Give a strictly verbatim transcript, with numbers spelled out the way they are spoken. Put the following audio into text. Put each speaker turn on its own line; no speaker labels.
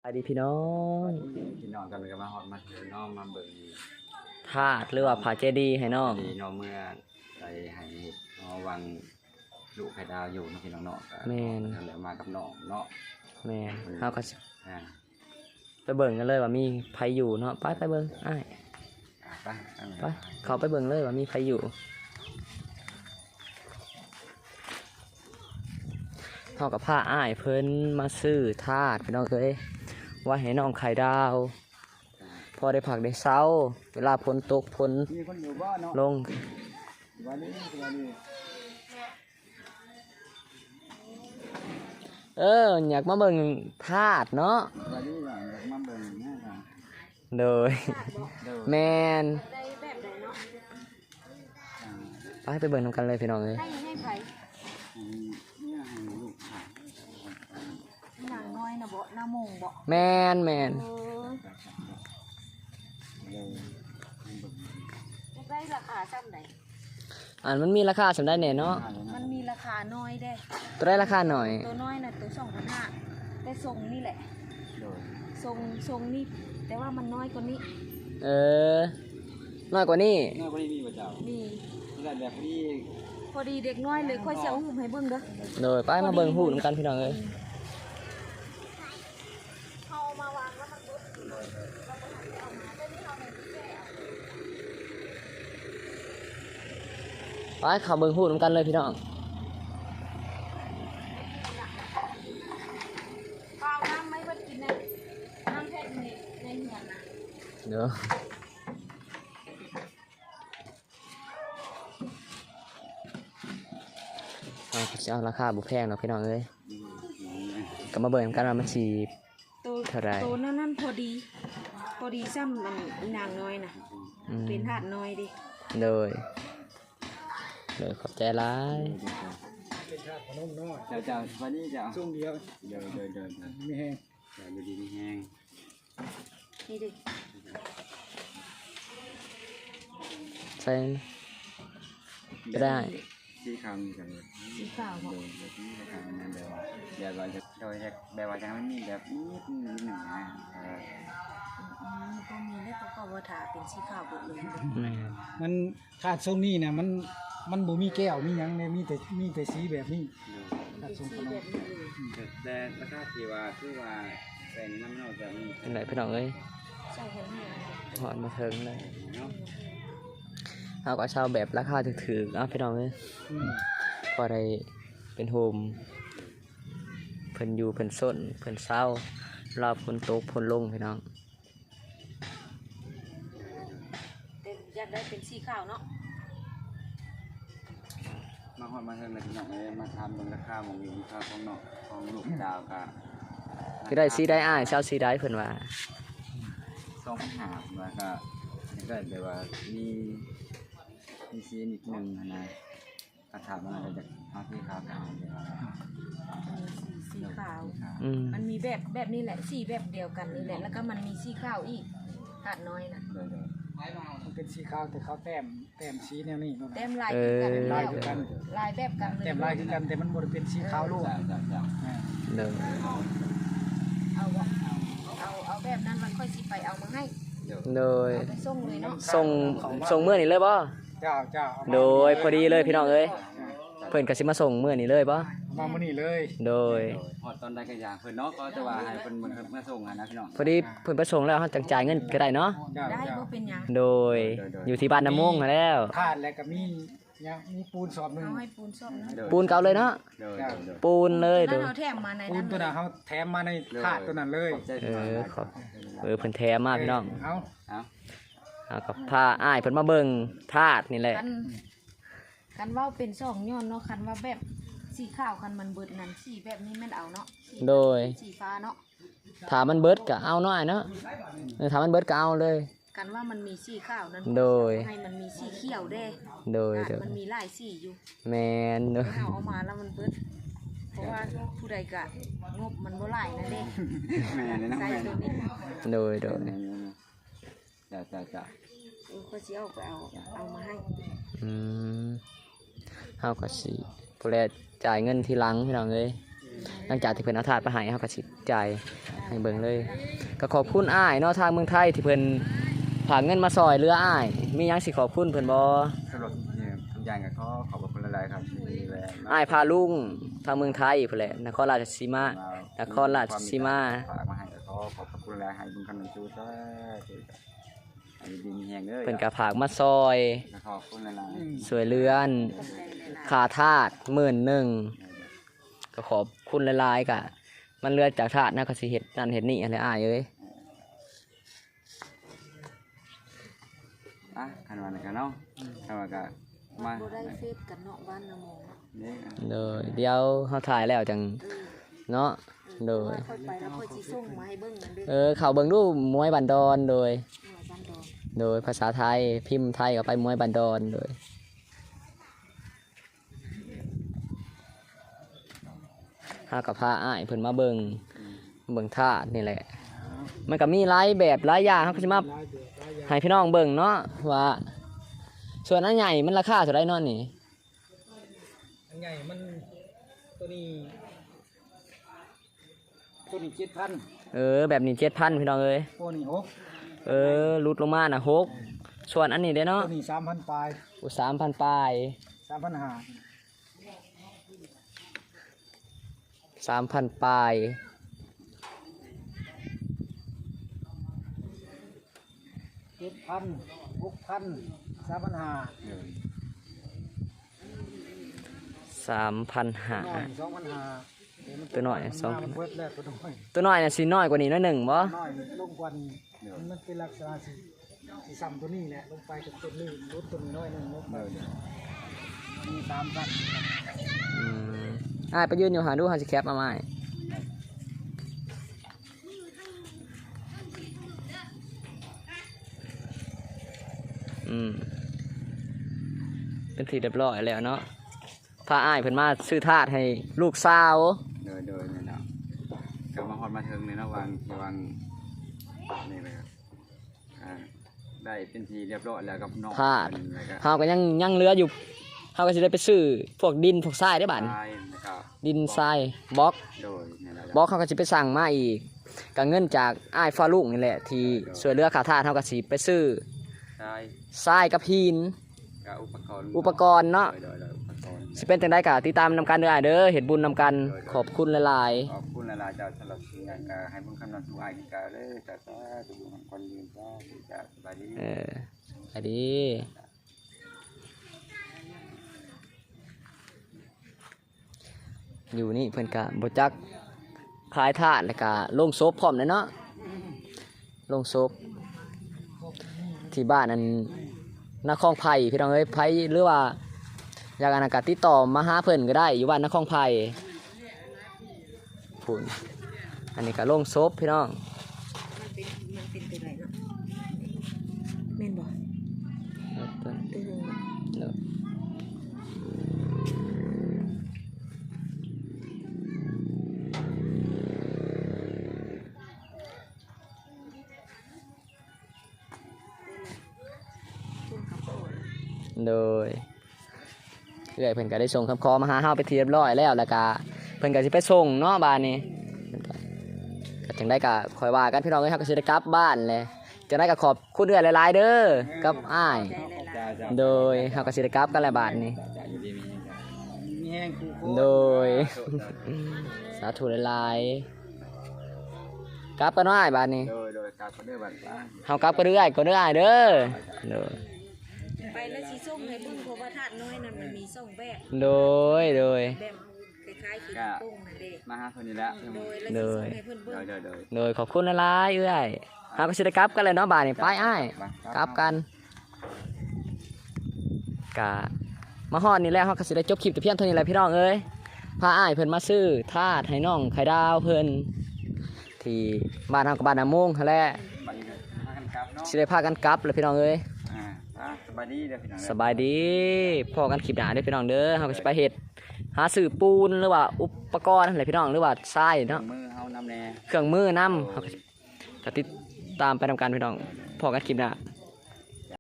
สวัสดีพี่น้อง
พี่น้องกันเลยก็มาฮอดมาเจอน้องมาเบิ่ง
ธาตุหรือว่าผาเจดีย์ให้น้อง
ดีน้องเมื่อไปให้น้องวังลูกไข่ดาวอยู่เนาะพี่น้องเนาะก็
แม่น
ทำแล้วมากับน้องเนาะ
แม่นเฮาก็สิ
อ่า
ไปเบิ่งกันเลยว่ามีไผอยู่เนาะไปไปเบิ่งอ้าย
ไปเอา
ไปเขาไปเบิ่งเลยว่ามีไผอยู่เฮากับพาอ้ายเพิ่นมาซื้อธาตุพี่น้องเอ้ยว่าให้น้องไข่ดาวพอได้ผักได้เช้าเวลาฝนตกฝน
มีคนอยู่บ้านเนาะ
ลง
วันนี้วันนี้
เอออยากมาเบิ่งธาตุเนาะ
วันนี้อยากมาเบิ่งนะครับ
โดย
เดี๋ยว
แม่น
ได้แบบไหนเนาะ
อ่า
ไปไปเบิ่งนำกันเลยพี่น้องเอ้ย
ให้ให้ไผ
ให้เนี่ยให้ลูกถ่าย
หนังน้อยนะบ่หน้าโมงบ่
แม่นแม่น
เออ
เดี๋ยวให้เบิ่ง
จะได้ราคาซ้ำไหน
อันมันมีราคาสำได้แน่เนาะ
ถ่ายเลย
มั
นะ
นมีราคาน้อยได้
ตัวได้ราคาหน่อย
ตัวน้อยน่ะตัวสองพันห้าแต่ทรงนี่แหละ
เดี๋ยว
ทรงทรงนี่แต่ว่ามันน้อยกว่านี้
เออน้อยกว่านี้
หน้าวันนี้มีประจ
มี
ำแต่แบบนี้
พอดีเด็กน้อยเลยค่อยเสียวหุ่มให้เบิ่งเด้อ
โดยไปมาเบิ่งหูนำกันพี่น้องเอ้ย
เอามาวางแล้วมันรุด
ไปเข้าเบิ่งหูนำกันเลยพี่น้อง
เปล่าน้ำไม่เพิ่นกินนะน้ำแพ็คในในเหือนนะ
เดี๋ยวเอาก็สิเอาราคาบ่แพงเนาะพี่น้องเอ้ยก็มาเบิ่งนำกันว่ามันสิ
ตัว
เท่าไหร่
ตัวนั้นนั่นพอดี พอดีซ้ำมันอีนางน้อยน่ะ
อืม
เป็นหาดน้อยดิ
โดยโดยขอบใจหลาย
เดี๋ยวจะวันนี้จะ
ช่วงเดียว
เดี๋ยวเดี๋ยวเดี๋ยวเดี๋ยว
มีแห้ง
เดี๋ยวอยู่ดีมีแห้ง
นี่ดิ
ใส่ก็ได้
ที่คำกันเลย
สีขาวบ่
โดยโดยที่คำนั้นเดี๋ยวเดี๋ยวเราจะโดยแบบว่าจะไม่มีแบบนิดนิดหนึ่งนะเออ
อืมก็มีแล้วก็ก็ว่าถาเป็นสีขาวหมดเลย
แม่น
มันขาดช่วงนี้เนี่ยมันมันบ่มีแก้วมีหยังเนี่ยมีแต่มีแต่สีแบบนี้
เป็
ขาด
น
ช่วงข
สี
น
แบ
ม
บนี้เลย
แต่ราคาที่ว่าคือว่าแสงน้ำเราจะมี
เป็นไรพี่น้องเอ้ย
ใส่กันให้
หอดมาเทิงเลย
เนาะ
เอาก็เช่าแบบราคาถูกๆเอาพี่น้องเอ้ย
อืม
พอได้เป็นโฮมเพิ่นอยู่เพิ่นส้นเพิ่นเศร้ารอบเพิ่นตกเพิ่นลงพี่น้อง
แต่อยากได้เป็นสีขาวเนาะ
มาหอดมาเทิงเลยพี่น้องเลยมาทำบนราคามองอยู่ค่าของนอกของลูกดาวก็
คือได้สีได้อ้ายเช่าสีได้เพิ่นว่า
สองพันห้าแล้วก็ก็แบบว่ามีมีซีนิดหนึ่งนะกระถางมันอาจจะเอาที่ขาวขาวเดี๋ยว
มีสีสีขาว
อืม
มันมีแบบแบบนี้แหละสีแบบเดียวกันนี่แหละแล้วก็มันมีสีขาวอีกหาดน้อยนะ
เดี๋ยวเดี๋ยว
มันเป็นสีขาวแต่เขาแต้มแต้มสีแนวนี้นู่น
แต้
น่ะ
มลายคือกัน
ลายคือกัน
ลายแบบกันเลย
แต้มลายคือกันแต่มันบ่ได้เป็นสีขาวโลก
จ้าจ้าจ้า
อ่า
เด้อ
เอาบ่เอาเอาแบบนั้นมันค่อยสิไปเอามาให้
เดี๋ยว
โดย
เอาไปส่งเลยเนาะ
ส่งส่งมื้อนี้เลยบ่
เจ้าเจ้าเอามา
โดยพอดีเลยพี่น้องเอ้ยเพิ่นก็สิมาส่งมื้อนี้เลยบ่
เอามามื้อนี้เลย
โดย
พอตอนได้กระยาเพิ่นเนาะก็จะว่าให้เพิ่นมันมาส่งนะพี่น้อง
พอดีเพิ่นประสงค์แล้วเฮาจังจ่ายเงินก็ได้เนาะ
เจ้า
ได้
เจ้า
บ่เป็นหยัง
โดยอยู่ที่บ้านน้ำมงนั่นแล้ว
ธาตุแล้วก็มีหยังมีปูนสอบหนึง
เอาให้ปูนส้มนะ
ปูนเก่าเลยเนาะ
เดี๋ยวเดี๋ยวเดี๋ยว
ปูนเลยโด
นั่น
ย
เอาแถมมาใน
ปู
นั้น น
ตัว
เล
น่ะ
ย
เขาแถมมาในถาดตัวนั้นเลย
ขอบใจ
เอ
พี่น้อง
อ
นะ
ขอบเออเพิ่นแถมมาพี่น้อง
เอา
เอา
เอากับพาอ้ายเพิ่นมาเบิ่งธาตุนี่แหละ
คันคันว่าเป็นสองย้อนเนาะคันว่าแบบสีขาวคันมันเบิดนั่นสีแบบนี้แม่นเอาเนาะสี
โดย
สีฟ้าเนาะ
ถ้ามันเบิดก็เอาหน่อยเนาะเออถ้ามันเบิดก็เอาเลย
กันว่ามันมีสีขาวนั้น
โดย
ให้มันมีสีเขียวแด้
โดย
อ่ะ
โดย
มันมีหลายสีอยู่
แมนโดย
เอาเอามาแล้วมันเบิดเพราะว่าผู้ใดก็งบมันบ่หลายนะเด้
แม่เลยนะ
ใส่
แม่
ตัวนี้
โดยโดย
จ้าจ้าจ้า
เออก็สิเอาไปเอาเอามาให้
อืมเฮาก็สิผู้แลจ่ายเงินทีหลังพี่น้องเอ้ย
เ
หลังจากที่เพิ่นเอาถาดไปให้เฮาก็สิจ่ายให้เบิ่งเลยก็ขอบคุณอ้ายเนาะทางเมืองไทยที่เพิ่นฝากเงินมาซอยเรืออ้ายมีหยังสิขอบคุณเพิ่นบ่
สำหรับทุกอย่างก็ขอขอบคุณหลายๆครับที่แวะมา
อ้ายพาลุงทางเมืองไทยพุ่นแหละนครราชสีมานครราชสีมา
ฝากมาให้ก็ขอขอบคุณหลายให้บุญคำนำจูซะให้ดีมีแฮงเด้อ
เพิ่นก็ฝากมาซอย
ขอบคุณหลาย
สวยเรือนค่าทาสหมื่นหนึ่งก็ขอบคุณหลายๆกะมันเรือจากทาสนะก็สิเฮ็ดนั่นเฮ็ดนี่อะไรอ้ายเอ้ย
ๆอ่ะคันว่ากันเนาะคันว่าก็มา
บ่ได้เฟซกันเนาะบ้านนาโมง
นี่
เด้อเดี๋ยวเฮาถ่ายแล้วจังเนาะโดย
ค่อยไปแล้วค่อยสิส่งมาให้เบิ่งนั่นเด้อ
เออเข้าเบิ่งดูมวยบันดอนโดย
หน่วยบ้านดอน
โดยภาษาไทยพิมพ์ไทยก็ไปมวยบันดอนโดยเฮาก็พาอ้ายเพิ่นมาเบิ่งเบิ่งทาสนี่แหละ มันก็มีหลายแบบหลายอย่างเฮาก็สิมา
หลายแบบหลายอย่าง
ให้พี่น้องเบิ่งเนาะว่าส่วนอันใหญ่มันราคาเท่าไรเนาะนี่
อันใหญ่มันตัวนี้ตัวนี้เจ็ดพัน
เออแบบนี้เจ็ดพันพี่น้องเอ้ย
ตัวนี้หก
เออลุดลงมาน่ะหกส่วนอันนี้เด้อเนาะ
ตัวนี้สามพันปลาย
อุสามพันปลาย
สามพันห้า
สามพันปลาย
เจ็ดพันหกพันสามพันห้า
สามพันห้า
น้อยสองพันห้า
ตัวน้อยสองพัน
เบิดแล้วตัวน้อย
ตัวน้อยน่ะสิน้อยกว่านี้หน้อยหนึ่งบ่
น้อยลงกว่านี้มันเป็นลักษณะสีสีซ้ำตัวนี้แหละลงไปกับตัวนี้ลดตัวนี้น้อยหนึ่งลดไปมีสามพัน
อืมอ้ายไปยืนอยู่หาดูหาสิแคปมาใหม่อืมเป็นที่เรียบร้อยแล้วเนาะพาอ้ายเพิ่นมาซื้อทาสให้ลูกสาว
โดยโดยนี่เนาะก็มาฮอดมาถึงนี่เนาะวางที่วางนี่เลยครับอ่าได้เป็นทีเรียบร้อยแล้วกับน้อง
ทาส
เพิ่นแล้วก็
เฮาก็ยังยังเหลืออยู่เฮาก็สิได้ไปซื้อพวกดินพวกทรายได้บัด
ทรายนะครับ
ดินทรายบล็อก
โดยนี่แหละ
บล็อกเขาก็สิไปสั่งมาอีกก็เงินจากอ้ายฟ้าลุงนี่แหละที่ช่วยเหลือค่าทาสเฮาก็สิไปซื้อ
ทราย
ทรายกับหิน
กับอุปกรณ์
อุปกรณ์เนาะ
โดยโดยโดยอุปกรณ์
สิเป็นจังไดก็ติดตามนำกันเด้ออ้ายเด้อเฮ็ดบุญนำกันขอบคุณหลาย
ขอบคุณหลายๆเจ้าสำหรับสิ่งการให้บุญคำนำสู่อ้ายกินกาเลยจ้าจ้าทุกบุญของคนยืนจ้าจ้าสบายดี
ๆเออสวัสดี อยู่นี่เพิ่นก็บ่จักขายทาสแล้วก็โรงศพพร้อมเลยเนาะโรงศพที่บ้านนั้นนครไผ่พี่น้องเอ้ยไผ่หรือว่าอยากอันนั้นก็ติดต่อมาหาเพิ่นก็ได้อยู่บ้านนครไผ่พุ่นอันนี้ก็โรงศพพี่น้อง
มันเป็นมันเป็นตัวไหนเนาะแม่นบ่ตัวหนึงเนาะ
โดยเอื้อยเพิ่นก็ได้ส่งคำขอมาหาเฮาไปนที่เรียบร้อยแล้วแล้วก็เพิ่นก็สิไปส่งเนาะบ้านนี้ก็จังได้ก็คอยว่ากันพี่น้องเอ้ยเฮาก็สิได้กลับบ้านเลยจังได้ก็ขอบคุณเอื้อยหลายๆเด้อกับอ้าย
จ้าจ้า
โดยเฮาก็สิได้กลับกันแล้วบ้านนี้
จ้าอยู่ดีมีจ้า
มีแห้งคูโค
โดย สาธุหลายๆกลับกันเนาะอ้ายบ้านนี้
โดยโดยการคนเดือบัตรบ้าน
เฮากลับกันเรื่อยก็เด้ออ้ายเด้อโดย
ไปแล้วสิส่งให้เบิ่งเพราะว่าธาตุน้อยนั่นมันมีสองแบบ
โดยโดย
แบบคล้ายๆขี้โป่งนั่นเด้
มาหาคนนี้แล้ว
โดยแล้วสิส่งให้เพิ่น
โด
เบิ่ง
ยโดยโดย
โดยขอบคุณหลายๆเอื้อยเฮาก็สิได้กลับกันเลยเนาะบ้านนี้ไปอ้ายกลับกันกะมาฮอดนี่แล้วเฮาก็สิได้จบคลิปแต่เพียงเท่านี้แหละพี่น้องเอ้ยพาอ้ายเพิ่นมาซื้อทาสให้น้องไข่ดาวเพิ่นที่บ้านเฮากับบ้านนาโมงหั่นแหละ
บัตรนี้พากันกลับเนาะ
สิได้พากันกลับเลยพี่น้องเอ้ย
อ่าอ่าสบายดีเด้อพี่น้อง
สบายดีพอกันคลิปหน้าเด้อพี่น้องเด้อเฮาก็สิไปเฮ็ดหาซื้อปูนหรือว่าอุปกรณ์อะไรพี่น้องหรือว่าทรายเนาะ
มือเฮานำแน่
เครื่องมือนำเฮาก็สิก็ติดตามไปทำการพี่น้องพอกันคลิปหน้า